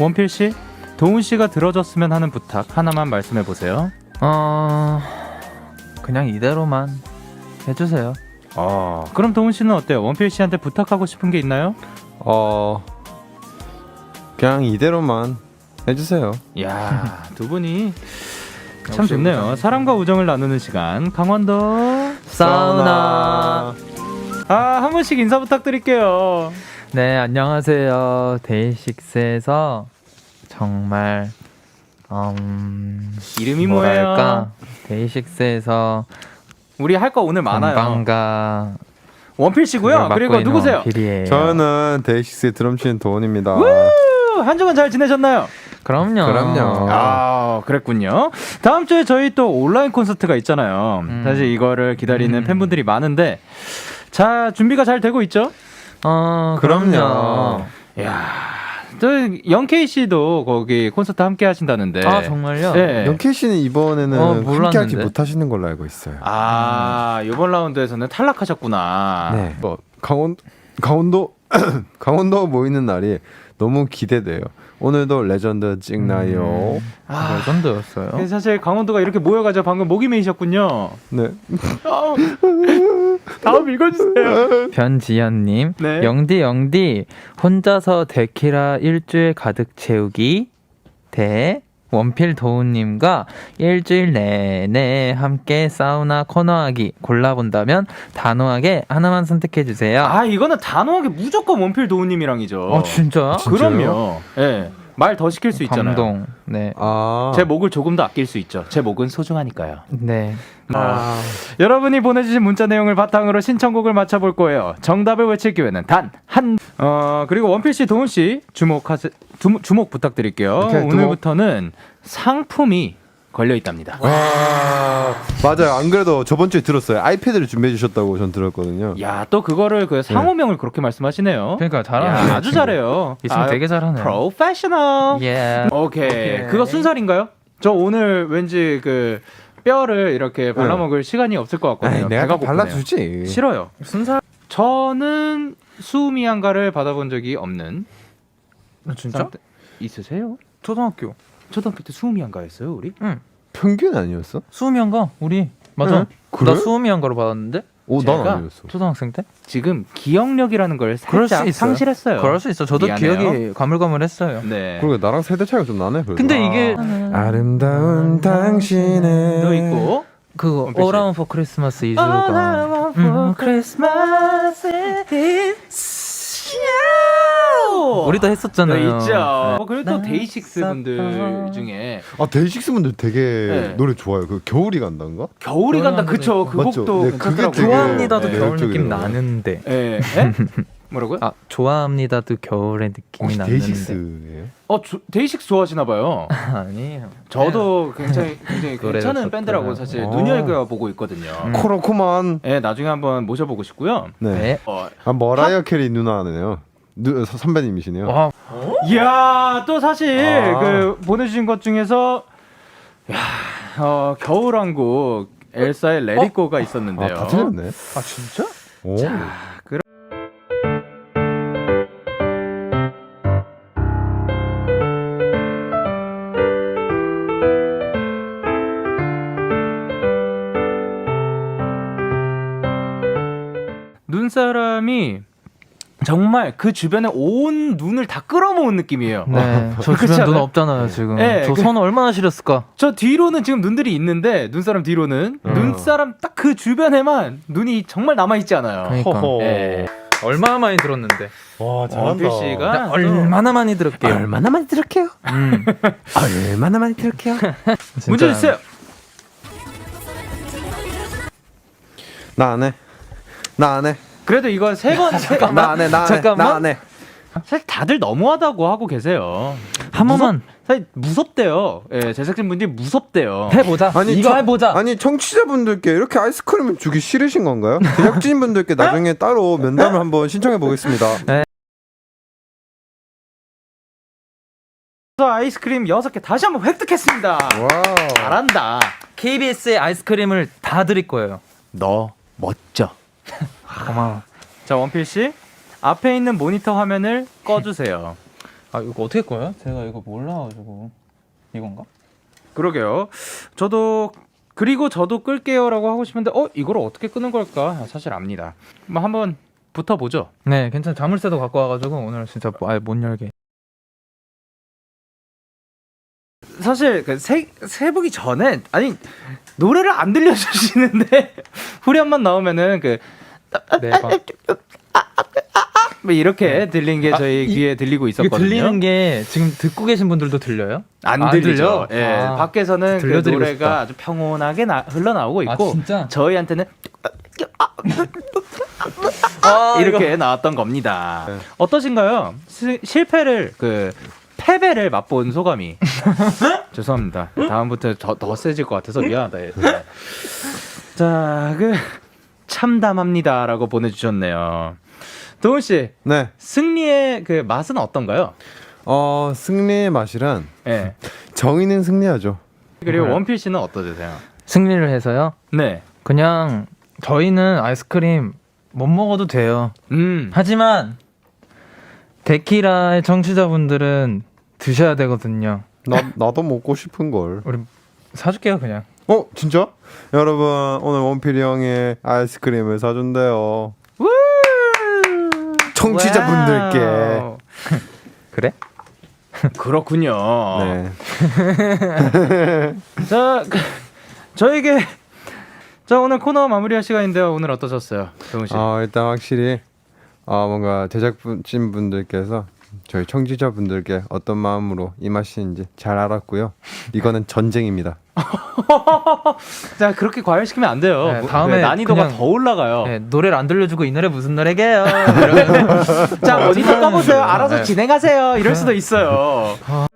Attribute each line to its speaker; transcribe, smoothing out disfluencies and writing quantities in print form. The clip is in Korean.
Speaker 1: 원필 씨, 도훈 씨가 들어줬으면 하는 부탁 하나만 말씀해 보세요.
Speaker 2: 그냥 이대로만 해주세요.
Speaker 1: 그럼 도훈 씨는 어때요? 원필 씨한테 부탁하고 싶은 게 있나요?
Speaker 3: 그냥 이대로만 해주세요.
Speaker 1: 이야, 두 분이 참 좋네요. 사랑과 우정을 나누는 시간, 강원도
Speaker 2: 사우나.
Speaker 1: 한 분씩 인사 부탁드릴게요.
Speaker 2: 네, 안녕하세요. 데이식스에서 정말
Speaker 1: 이름이 뭐예요?
Speaker 2: 뭐랄까, 데이식스에서
Speaker 1: 우리 할 거 오늘 많아요.
Speaker 2: 건강가
Speaker 1: 원필 씨고요. 그리고 누구세요?
Speaker 2: 원필이에요.
Speaker 3: 저는 데이식스의 드럼 치는 도훈입니다.
Speaker 1: 한 주간 잘 지내셨나요?
Speaker 2: 그럼요.
Speaker 1: 그랬군요. 다음 주에 저희 또 온라인 콘서트가 있잖아요. 사실 이거를 기다리는 팬분들이 많은데, 자, 준비가 잘 되고 있죠?
Speaker 2: 그럼요.
Speaker 1: 이야, 또 영케이 씨도 거기 콘서트 함께 하신다는데.
Speaker 2: 정말요?
Speaker 1: 네.
Speaker 3: 영케이 씨는 이번에는
Speaker 2: 몰랐는데.
Speaker 3: 함께하지 못하시는 걸로 알고 있어요.
Speaker 1: 이번 라운드에서는 탈락하셨구나.
Speaker 3: 네. 강원도 모이는 날이 너무 기대돼요. 오늘도 레전드 찍나요?
Speaker 2: 레전드였어요.
Speaker 1: 사실 강원도가 이렇게 모여가지고 방금 목이 메이셨군요.
Speaker 3: 네.
Speaker 1: 다음 읽어주세요.
Speaker 2: 변지현님,
Speaker 1: 네.
Speaker 2: 영디 혼자서 데키라 일주일 가득 채우기 대 원필 도훈님과 일주일 내내 함께 사우나 코너하기 골라본다면 단호하게 하나만 선택해주세요.
Speaker 1: 이거는 단호하게 무조건 원필 도훈님이랑이죠.
Speaker 2: 진짜?
Speaker 1: 그럼요. 예. 말 더 시킬 수 있잖아요.
Speaker 2: 감동. 네.
Speaker 1: 제 목을 조금 더 아낄 수 있죠. 제 목은 소중하니까요.
Speaker 2: 네.
Speaker 1: 여러분이 보내주신 문자 내용을 바탕으로 신청곡을 맞춰볼 거예요. 정답을 외칠 기회는 단 한. 그리고 원필 씨, 도훈 씨 주목 부탁드릴게요.
Speaker 3: 오케이,
Speaker 1: 오늘부터는 상품이 걸려 있답니다.
Speaker 3: 맞아요. 안 그래도 저번 주에 들었어요. 아이패드를 준비해 주셨다고 전 들었거든요.
Speaker 1: 야, 또 그거를 그 상호명을 그렇게 말씀하시네요.
Speaker 2: 그러니까 잘하네.
Speaker 1: 야, 아주 잘해요.
Speaker 2: 이 친구 되게 잘하네.
Speaker 1: 프로페셔널.
Speaker 2: 예.
Speaker 1: 오케이. 그거 순살인가요? 저 오늘 왠지 그 뼈를 이렇게 발라먹을 시간이 없을 것 같거든요.
Speaker 3: 내가
Speaker 1: 배가
Speaker 3: 다
Speaker 1: 고프네요.
Speaker 3: 발라주지.
Speaker 1: 싫어요. 순살. 저는 수미양가를 받아본 적이 없는.
Speaker 2: 진짜?
Speaker 1: 있으세요?
Speaker 2: 초등학교
Speaker 1: 초등학교 때 수미양가였어요, 우리?
Speaker 3: 평균 아니었어?
Speaker 2: 수음이한가? 우리 맞아.
Speaker 3: 응. 그래?
Speaker 2: 나 수음이한가로 받았는데
Speaker 3: 난
Speaker 1: 제가
Speaker 3: 아니었어.
Speaker 2: 초등학생 때?
Speaker 1: 지금 기억력이라는 걸
Speaker 2: 그럴 수
Speaker 1: 살짝
Speaker 2: 있어요.
Speaker 1: 상실했어요.
Speaker 2: 그럴 수 있어. 저도
Speaker 1: 미안해요.
Speaker 2: 기억이 가물가물했어요.
Speaker 1: 네.
Speaker 3: 그러게 나랑 세대 차이가 좀 나네. 그래도.
Speaker 2: 근데 이게
Speaker 3: 아름다운 당신의
Speaker 1: 너 있고
Speaker 2: 그거
Speaker 1: 원필 씨.
Speaker 2: All I Want for Christmas 이주가 우리도 했었잖아요.
Speaker 1: 있죠. 그리고 또 데이식스 분들 중에
Speaker 3: 데이식스 분들 되게
Speaker 1: 네.
Speaker 3: 노래 좋아요. 그 겨울이 간다인가?
Speaker 1: 겨울이 간다. 그쵸. 그
Speaker 3: 맞죠?
Speaker 1: 곡도
Speaker 3: 네, 그게
Speaker 1: 괜찮더라고요.
Speaker 3: 되게-
Speaker 2: 좋아합니다도
Speaker 3: 네,
Speaker 2: 겨울
Speaker 3: 이쪽이라고.
Speaker 2: 느낌 나는데.
Speaker 1: 예. 뭐라고요?
Speaker 2: 좋아합니다도 겨울의 느낌이
Speaker 3: 혹시
Speaker 2: 나는데.
Speaker 3: 데이식스예요?
Speaker 1: 데이식스 좋아하시나 봐요.
Speaker 2: 아니에요.
Speaker 1: 저도 굉장히
Speaker 2: 노래가
Speaker 1: 괜찮은
Speaker 2: 좋더라고요.
Speaker 1: 밴드라고 사실
Speaker 3: 아.
Speaker 1: 눈여겨보고 있거든요.
Speaker 3: 코로코만.
Speaker 1: 예, 나중에 한번 모셔보고 싶고요.
Speaker 3: 네.
Speaker 2: 네.
Speaker 3: 머라이어 캐리 누나네요. 선배님이시네요.
Speaker 2: 와,
Speaker 1: 이야, 또 사실 그 보내주신 것 중에서 겨울왕국 엘사의 레디꼬가 있었는데요.
Speaker 3: 다 틀렸네.
Speaker 2: 진짜?
Speaker 3: 오.
Speaker 1: 눈사람이 정말 그 주변에 온 눈을 다 끌어모은 느낌이에요.
Speaker 2: 네. 저
Speaker 1: 그렇지
Speaker 2: 주변 눈
Speaker 1: 않아요?
Speaker 2: 없잖아요 지금.
Speaker 1: 네,
Speaker 2: 저 손 얼마나 시렸을까?
Speaker 1: 저 뒤로는 지금 눈들이 있는데 눈사람 뒤로는 눈사람 딱 그 주변에만 눈이 정말 남아있지 않아요.
Speaker 2: 그러니까.
Speaker 1: 예.
Speaker 2: 얼마나 많이 들었는데.
Speaker 3: 와
Speaker 1: 원필 씨가
Speaker 2: 얼마나 많이 들을게요.
Speaker 3: 얼마나 많이 들을게요? 얼마나 많이 들을게요?
Speaker 1: 문제 주세요.
Speaker 3: 나 안 해. 나 안 해.
Speaker 1: 그래도 이건 세 번.
Speaker 3: 나 안 해. 나 안 해.
Speaker 2: 잠깐만.
Speaker 3: 나 안 해.
Speaker 1: 사실 다들 너무하다고 하고 계세요.
Speaker 2: 한 번만
Speaker 1: 사실 무섭대요. 예, 제작진분들이 무섭대요.
Speaker 2: 해보자. 이거 해보자.
Speaker 3: 아니 청취자분들께 이렇게 아이스크림을 주기 싫으신 건가요? 제작진분들께 나중에 따로 면담을 한번 신청해 보겠습니다.
Speaker 1: 아이스크림 6개 다시 한번 획득했습니다.
Speaker 3: 와우.
Speaker 1: 잘한다.
Speaker 2: KBS의 아이스크림을 다 드릴 거예요.
Speaker 1: 너 멋져.
Speaker 2: 고마워.
Speaker 1: 자, 원필 씨 앞에 있는 모니터 화면을 꺼주세요.
Speaker 2: 아 이거 어떻게 꺼요? 제가 이거 몰라가지고 이건가?
Speaker 1: 그러게요. 저도 끌게요라고 하고 싶은데 이걸 어떻게 끄는 걸까? 사실 압니다. 뭐 한번 붙어보죠.
Speaker 2: 네, 괜찮아. 자물쇠도 갖고 와가지고 오늘 진짜 아예 못 열게.
Speaker 1: 사실 그 새보기 전에 아니 노래를 안 들려주시는데 후렴만 나오면은 그
Speaker 2: 네, 봐.
Speaker 1: 뭐 이렇게 들린 게 저희 귀에 들리고
Speaker 2: 이게
Speaker 1: 있었거든요.
Speaker 2: 들리는 게 지금 듣고 계신 분들도 들려요?
Speaker 1: 안
Speaker 2: 안
Speaker 1: 들리죠.
Speaker 2: 들려?
Speaker 1: 예,
Speaker 2: 아,
Speaker 1: 밖에서는 그
Speaker 2: 들려드리고
Speaker 1: 노래가
Speaker 2: 싶다.
Speaker 1: 아주 평온하게 흘러나오고 있고
Speaker 2: 진짜?
Speaker 1: 저희한테는 이렇게 나왔던 겁니다.
Speaker 3: 네.
Speaker 1: 어떠신가요? 실패를 패배를 맛본 소감이. 죄송합니다. 다음부터 더 세질 것 같아서 미안하다. 예. 자, 참담합니다라고 보내주셨네요. 도훈 씨,
Speaker 3: 네.
Speaker 1: 승리의 그 맛은 어떤가요?
Speaker 3: 승리의 맛이란
Speaker 1: 예.
Speaker 3: 정의는 승리하죠.
Speaker 1: 그리고 원필 씨는 어떠세요?
Speaker 2: 승리를 해서요?
Speaker 1: 네.
Speaker 2: 그냥 저희는 아이스크림 못 먹어도 돼요. 하지만 데키라의 청취자분들은 드셔야 되거든요.
Speaker 3: 나도 먹고 싶은 걸.
Speaker 2: 우리 사줄게요 그냥.
Speaker 3: 진짜? 여러분 오늘 원필이 형이 아이스크림을 사준대요. 청취자분들께.
Speaker 1: 와우.
Speaker 2: 그래?
Speaker 1: 그렇군요.
Speaker 3: 네.
Speaker 1: 자, 자 오늘 코너 마무리할 시간인데요. 오늘 어떠셨어요, 도훈 씨?
Speaker 3: 일단 확실히 뭔가 제작진 분들께서 저희 청취자분들께 어떤 마음으로 임하시는지 잘 알았고요. 이거는 전쟁입니다.
Speaker 1: 자 그렇게 과열시키면 안 돼요.
Speaker 2: 네, 다음에
Speaker 1: 난이도가
Speaker 2: 그냥-
Speaker 1: 더 올라가요.
Speaker 2: 네, 노래를 안 들려주고 이 노래 무슨 노래게요? 이러면
Speaker 1: 자 모니터 꺼보세요. 알아서
Speaker 2: 네.
Speaker 1: 진행하세요. 이럴 수도 있어요.